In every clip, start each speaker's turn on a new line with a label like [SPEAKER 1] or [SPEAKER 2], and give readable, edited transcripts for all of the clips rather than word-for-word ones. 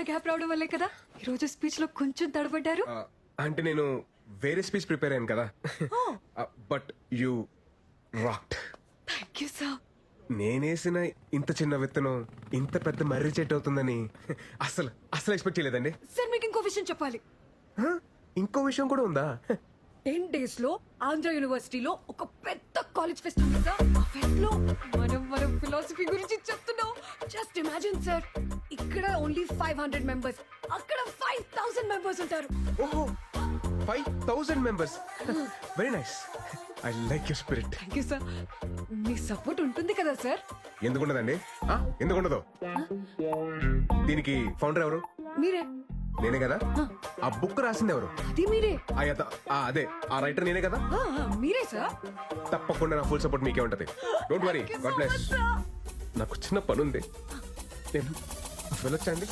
[SPEAKER 1] Gap రావడం వల్లే కదా ఈ రోజు స్పీచ్ లో కొంచెం తడబడ్డారు.
[SPEAKER 2] అంటే నేను వేరే స్పీచ్ ప్రిపేర్ అయ్యాను కదా. But you rocked.
[SPEAKER 1] Thank you sir.
[SPEAKER 2] నేనేసిన ఇంత చిన్న విత్తనం ఇంత పెద్ద మర్రి చెట్టు అవుతుందని అసలు అసలు ఎక్స్పెక్ట్ చేయలేదండి.
[SPEAKER 1] సార్ మీకు ఇంకో విషయం చెప్పాలి.
[SPEAKER 2] ఇంకో విషయం కూడా ఉందా?
[SPEAKER 1] 10 days లో ఆంధ్ర యూనివర్సిటీలో ఒక పెద్ద కాలేజ్ ఫెస్ట్ ఉంది సార్. ఆ ఫెస్ట్ లో మనం ఫిలాసఫీ గురించి చెప్తున్నాం. జస్ట్ ఇమాజిన్ సార్, ఇక్కడ ఓన్లీ 500 మెంబర్స్, అక్కడ 5000 మెంబర్స్ ఉంటారు.
[SPEAKER 2] ఓహో, 5000 members. Very nice. I like your spirit.
[SPEAKER 1] Thank you sir. మీ సపోర్ట్ ఉంటుంది కదా సార్?
[SPEAKER 2] ఎందుకుండదండి? ఎందుకుండదు? దీనికి ఫౌండర్ ఎవరు?
[SPEAKER 1] మీరే.
[SPEAKER 2] నేనే కదా. ఆ బుక్ రాసింది ఎవరు?
[SPEAKER 1] అది మీరే.
[SPEAKER 2] అదే ఆ రైటర్ నేనే కదా.
[SPEAKER 1] మీరే సార్.
[SPEAKER 2] తప్పకుండా నా ఫుల్ సపోర్ట్ మీకే ఉంటది. Don't worry. God bless. నాకు చిన్న పని ఉంది, నేను వెళ్ళొచ్చండి.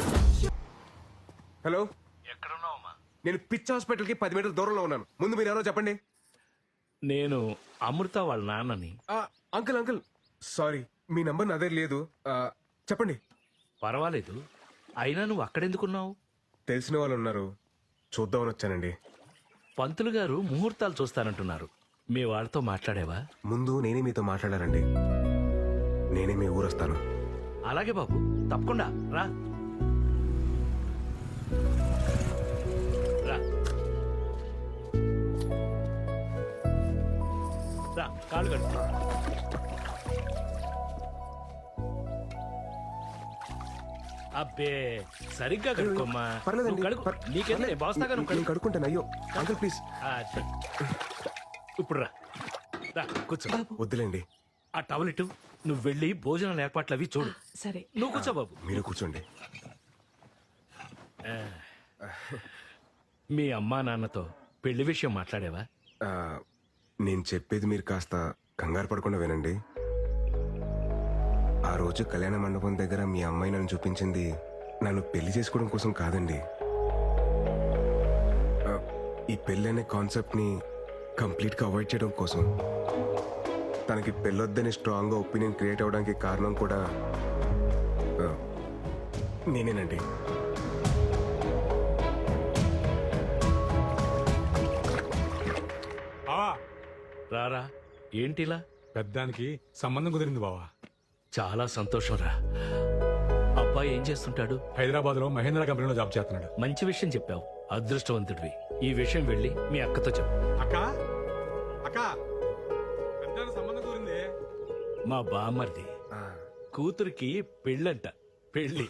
[SPEAKER 2] హలో,
[SPEAKER 3] ఎక్కడున్నావమ్మా?
[SPEAKER 2] నేను పిచ్ హాస్పిటల్ కి 10 మీటర్ల దూరంలో ఉన్నాను. ముందు మీరు ఎవరో చెప్పండి.
[SPEAKER 3] నేను అమృత వాళ్ళ నాన్నని.
[SPEAKER 2] అంకుల్ అంకుల్ సారీ, మీ నంబర్ నా దగ్గర లేదు. చెప్పండి.
[SPEAKER 3] పర్వాలేదు, అయినా నువ్వు అక్కడెందుకున్నావు?
[SPEAKER 2] తెలిసిన వాళ్ళు ఉన్నారు, చూద్దామని వచ్చానండి.
[SPEAKER 3] పంతులు గారు ముహూర్తాలు చూస్తానంటున్నారు. మీ వాళ్ళతో మాట్లాడేవా?
[SPEAKER 2] ముందు నేనే మీతో మాట్లాడారండి. నేనే మీ ఊరు వస్తాను.
[SPEAKER 3] అలాగే బాబు, తప్పకుండా రా. రా రా, కాళ్ళు కట్టు. అబ్బే, సరిగ్గా కడుక్కోమ్మా.
[SPEAKER 2] పర్లేదండి.
[SPEAKER 3] నువ్వు కడుక్కో. నీకేంటి, నేను బాస్తాగా నువ్వు
[SPEAKER 2] నేను
[SPEAKER 3] కడుక్కో.
[SPEAKER 2] కడుక్కుంటాను. అయ్యో అంకుల్ ప్లీజ్.
[SPEAKER 3] అది. ఇప్పుడు రా, రా కూర్చో.
[SPEAKER 2] వద్దులేండి.
[SPEAKER 3] ఆ టవల్ ఇటు. నువ్వు వెళ్ళి భోజనాల ఏర్పాట్లు అవి చూడు.
[SPEAKER 1] సరే.
[SPEAKER 3] నువ్వు కూర్చో బాబు.
[SPEAKER 2] మీరు కూర్చోండి.
[SPEAKER 3] మీ అమ్మా నాన్నతో పెళ్లి విషయం మాట్లాడేవా?
[SPEAKER 2] నేను చెప్పేది మీరు కాస్త కంగారు పడకుండా వినండి. ఆ రోజు కళ్యాణ మండపం దగ్గర మీ అమ్మాయి నన్ను చూపించింది నన్ను పెళ్లి చేసుకోవడం కోసం కాదండి. ఈ పెళ్లి అనే కాన్సెప్ట్ ని కంప్లీట్ గా అవాయిడ్ చేయడం కోసం. తనకి పెళ్ళొద్దని స్ట్రాంగ్ గా ఒపీనియన్ క్రియేట్ అవడానికి కారణం కూడా నేనేనండి.
[SPEAKER 3] రారా, ఏంటిలా?
[SPEAKER 4] పెద్దానికి సంబంధం కుదిరింది బావా.
[SPEAKER 3] చాలా సంతోషం రా. అబ్బాయి ఏం చేస్తుంటాడు?
[SPEAKER 4] హైదరాబాద్ లో మహేంద్ర కంపెనీలో జాబ్ చేస్తున్నాడు.
[SPEAKER 3] మంచి విషయం చెప్పావు, అదృష్టవంతుడివి. ఈ విషయం వెళ్ళి మీ అక్కతో చెప్పు.
[SPEAKER 4] అక్క అక్క, పెద్దానికి సంబంధం కుదిరింది.
[SPEAKER 3] మా బామ్మర్ది కూతురికి పెళ్ళంట. పెళ్ళి.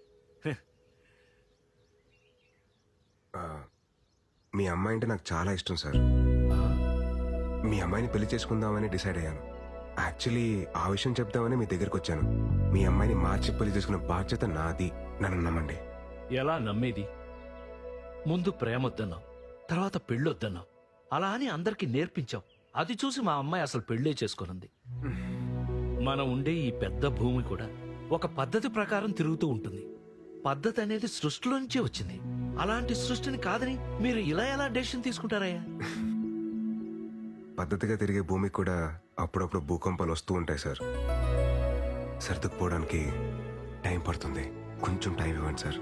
[SPEAKER 2] మీ అమ్మాయి అంటే నాకు చాలా ఇష్టం సార్. మీ అమ్మాయిని పెళ్లి చేసుకుందామని డిసైడ్ అయ్యాను. యాక్చువల్లీ ఆ విషయం చెప్దామని మీ దగ్గరకు వచ్చాను. మీ అమ్మాయిని మార్చి పెళ్లి చేసుకునే బాధ్యత నాది. నన్ను నమ్మండి.
[SPEAKER 3] ఎలా నమ్మేది? ముందు ప్రేమొద్దన్నావు, తర్వాత పెళ్ళొద్దన్నావు. అలా అని అందరికీ నేర్పించావు. అది చూసి మా అమ్మాయి అసలు పెళ్ళే చేసుకునుంది. మనం ఉండే ఈ పెద్ద భూమి కూడా ఒక పద్ధతి ప్రకారం తిరుగుతూ ఉంటుంది. పద్ధతి అనేది సృష్టిలోంచే వచ్చింది. అలాంటి సృష్టిని కాదని మీరు ఇలా ఎలా డెసిషన్ తీసుకుంటారయ్యా?
[SPEAKER 2] పద్ధతిగా తిరిగే భూమికి కూడా అప్పుడప్పుడు భూకంపాలు వస్తూ ఉంటాయి సార్. సర్దుకుపోవడానికి టైం పడుతుంది. కొంచెం టైం ఇవ్వండి సార్.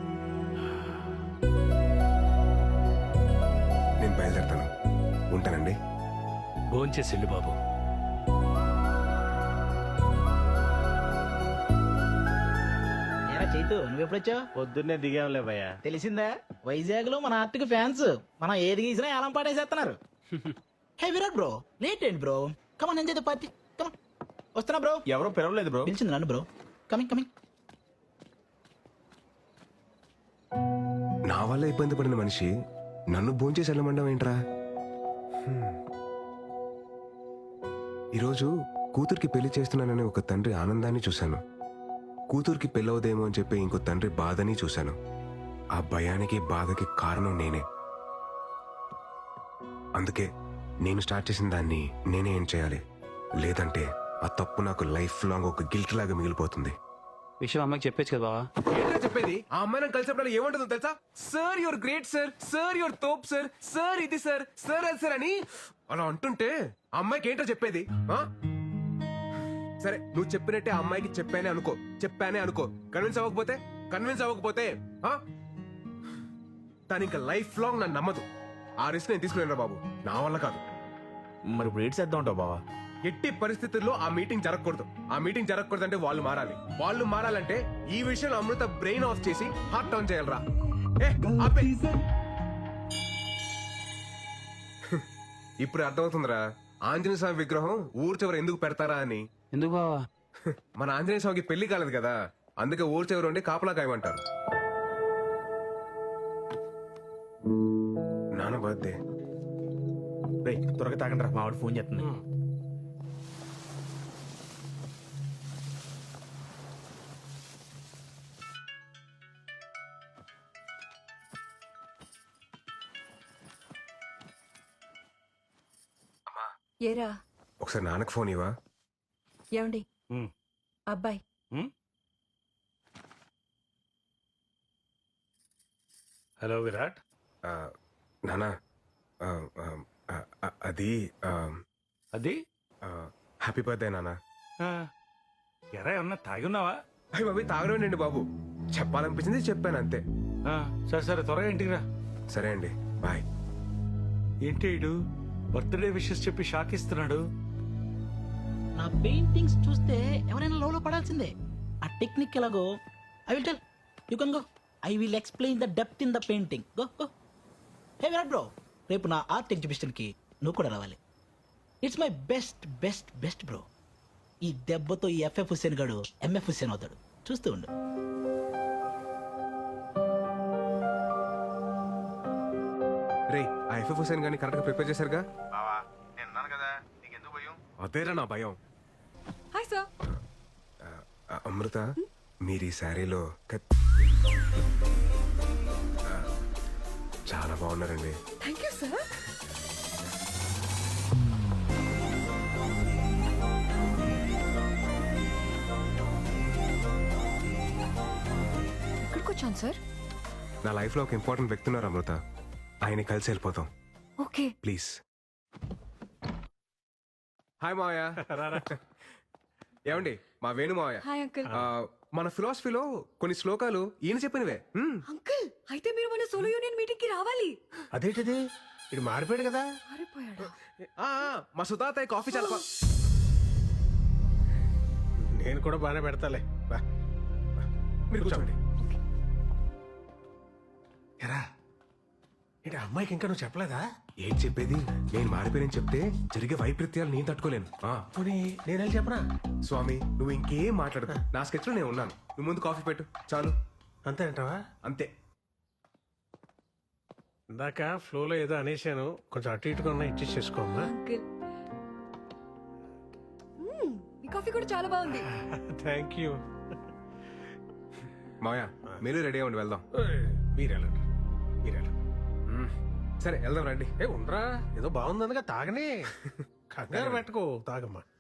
[SPEAKER 2] నేను బయలుదేరుతాను. ఉంటానండి.
[SPEAKER 3] భోంచేసి వెళ్ళు బాబు.
[SPEAKER 5] చైతు, నువ్వెప్పుడొచ్చావు?
[SPEAKER 6] పొద్దున్నే దిగాంలే భయ్యా.
[SPEAKER 5] తెలిసిందా, వైజాగ్ లో మన ఆర్టిక్ ఫ్యాన్స్ మనం ఏది గీసినా ఏలం పాటేసేస్తున్నారు. హే విరాట్ బ్రో, లేట్ ఏంటి bro? Come on enjoy the party. Come on. వస్తున్నా బ్రో.
[SPEAKER 6] ఎవరో పిలవలేదు బ్రో.
[SPEAKER 5] పిలిచింది నన్ను బ్రో. Coming coming.
[SPEAKER 2] నా వల్ల ఇబ్బంది పడిన మనిషి నన్ను భోంచేసి వెళ్ళమండం ఏంట్రా? ఈరోజు కూతురికి పెళ్లి చేస్తున్నానని ఒక తండ్రి ఆనందాన్ని చూశాను. కూతురికి పెళ్ళవదేమో అని చెప్పి ఇంకో తండ్రి బాధని చూశాను. ఆ భయానికి బాధకి కారణం నేనే. అందుకే నేను స్టార్ట్ చేసిన దాన్ని నేనే ఏం చేయాలి. లేదంటే ఆ తప్పు నాకు లైఫ్ లాంగ్ ఒక గిల్ట్ లాగా మిగిలిపోతుంది.
[SPEAKER 6] విషయం అమ్మకి చెప్పేచ్చు కదా బావా.
[SPEAKER 2] ఏంటో చెప్పేది? ఆ అమ్మాయి నాకు కలిసినప్పుడు ఏమంటుందో తెలుసా? Sir your great sir, sir your తోప్ సార్, సార్ ఇది సార్, సార్ అది సార్ అని అలా అంటుంటే ఆ అమ్మాయికి ఏంటో చెప్పేది? సరే, నువ్వు చెప్పినట్టే ఆ అమ్మాయికి చెప్పానే అనుకో. కన్విన్స్ అవ్వకపోతే కన్విన్స్ అవ్వకపోతే ఆ? తను ఇంకా లైఫ్ లాంగ్ నన్ను నమ్మదు. ఆ రిస్క్ నేను తీసుకునేరా బాబు, నా వల్ల కాదు.
[SPEAKER 5] మరి ఇప్పుడు ఏడ్ చేద్దాం ఉంటావు బావా?
[SPEAKER 2] ఎట్టి పరిస్థితుల్లో ఆ మీటింగ్ జరగకూడదు. ఆ మీటింగ్ జరగకూడదు అంటే వాళ్ళు మారాలి. వాళ్ళు మారాలంటే ఈ విషయంలో అమృత బ్రెయిన్ ఆఫ్ చేసి హార్ట్ ఆన్ చేయాలరా. ఏ, ఆపే. ఇప్పుడు అర్థమవుతుందిరా ఆంజనేయ స్వామి విగ్రహం ఊరు చివర ఎందుకు పెడతారా అని.
[SPEAKER 6] ఎందుకు బావా?
[SPEAKER 2] మన ఆంజనేయ స్వామికి పెళ్లి కాలేదు కదా, అందుకే ఊరు చివర ఉండి కాపలా కాయమంటారు. నాన్న బర్త్డే.
[SPEAKER 5] రేయ్ త్వరగా తాగండి రా, మా వాడు ఫోన్ చేస్తుంది.
[SPEAKER 1] ఏరా
[SPEAKER 2] ఒకసారి నాన్నకు ఫోన్ ఇవ్వా.
[SPEAKER 1] ఏమండి అబ్బాయి
[SPEAKER 4] హలో విరాట్.
[SPEAKER 2] నాన్న ఆ, ఆ, ఆ, ఆ, అది
[SPEAKER 4] అది
[SPEAKER 2] హ్యాపీ బర్త్డే నాన్న.
[SPEAKER 4] ఎరా ఏమన్నా తాగి ఉన్నావా?
[SPEAKER 2] అయ్యి బాబు తాగడండి బాబు, చెప్పాలనిపించింది చెప్పాను అంతే.
[SPEAKER 4] సరే సరే త్వరగా ఇంటికి రా.
[SPEAKER 2] సరే అండి, బాయ్.
[SPEAKER 4] ఏంటి ఇడు బర్త్డే విషెస్ చెప్పి షాక్ ఇస్తున్నాడు?
[SPEAKER 5] నా పెయింటింగ్స్ చూస్తే ఎవరైనా లోలో పడాల్సిందే. ఆ టెక్నిక్ ఎలాగో I will tell you can go. I will explain the depth in the painting. Go go. Hey Virat bro, రేపు నా ఆర్ట్ ఎగ్జిబిషన్కి నువ్వు కూడా రావాలి. It's my best best best bro. ఈ దెబ్బతో ఈ ఎఫ్ఎఫ్ హుస్సేన్ గాడు ఎంఎఫ్ హుస్సేన్ అవుతాడు, చూస్తూ ఉండు.
[SPEAKER 2] రే, ఆ ఎఫ్ఎఫ్ హుసేన్ గాని కరెక్ట్ గా ప్రిపేర్ చేశారుగా?
[SPEAKER 7] బావా నేను ఉన్నాను కదా, నీకెందుకు భయం?
[SPEAKER 2] అదేరా నా భయం.
[SPEAKER 1] Hi sir.
[SPEAKER 2] అమృత, మీరు ఈ శారీలో చాలా బాగున్నారండి.
[SPEAKER 1] Thank you sir. ఎక్కడికి వచ్చాను సార్?
[SPEAKER 2] నా లైఫ్ లో ఒక ఇంపార్టెంట్ వ్యక్తి ఉన్నారు అమృత, ఆయన కలిసి వెళ్ళిపోతాం
[SPEAKER 1] ఓకే.
[SPEAKER 2] ప్లీజ్. హాయ్ మావయ్య. ఏమండి, మా వేణు మావయ్య.
[SPEAKER 1] Hi uncle.
[SPEAKER 2] మన ఫిలాసఫీలో కొన్ని శ్లోకాలు ఈయన చెప్పినవే.
[SPEAKER 1] అంకుల్ అయితే మీరు మన సోలో యూనియన్ మీటింగ్ కి రావాలి.
[SPEAKER 4] అదేంటిది, ఇటు మారిపోయాడు కదా.
[SPEAKER 1] మారిపోయాడా?
[SPEAKER 2] మా సుతాత కాఫీ చాలా
[SPEAKER 4] నేను కూడా బాగానే పెడతాలే. బా.
[SPEAKER 2] మీరు కూర్చోండి.
[SPEAKER 4] ఎరా ఏంటి అమ్మాయికి ఇంకా నువ్వు చెప్పలేదా?
[SPEAKER 2] ఏంటి చెప్పేది, నేను మారిపోయానని చెప్తే జరిగే వైపరీత్యాలు నేను తట్టుకోలేను.
[SPEAKER 4] పోనీ నేను వెళ్ళి చెప్పనా?
[SPEAKER 2] స్వామి, నువ్వు ఇంకేం మాట్లాడదు, నా స్కెచ్ లో నేను ఉన్నాను. నువ్వు ముందు కాఫీ పెట్టు చాలు.
[SPEAKER 4] అంతే అంటావా?
[SPEAKER 2] అంతే.
[SPEAKER 4] ఇందాక ఫ్లోలో ఏదో అనేసాను, కొంచెం అటు ఇటుగా ఉన్నా ఇచ్చేసి చేసుకోమ్మా.
[SPEAKER 1] అంకుల్ మీ కాఫీ కూడా చాలా బాగుంది.
[SPEAKER 4] Thank you.
[SPEAKER 2] మాయా, మీరు రెడీ అవ్వండి, వెళ్దాం.
[SPEAKER 4] మీరెళ్ళండి, మీరెళ్ళండి.
[SPEAKER 2] సరే వెళ్దాం రండి.
[SPEAKER 4] ఉండరా, ఏదో బాగుందనగా తాగనే, కంగారు పెట్టుకో, తాగమ్మా.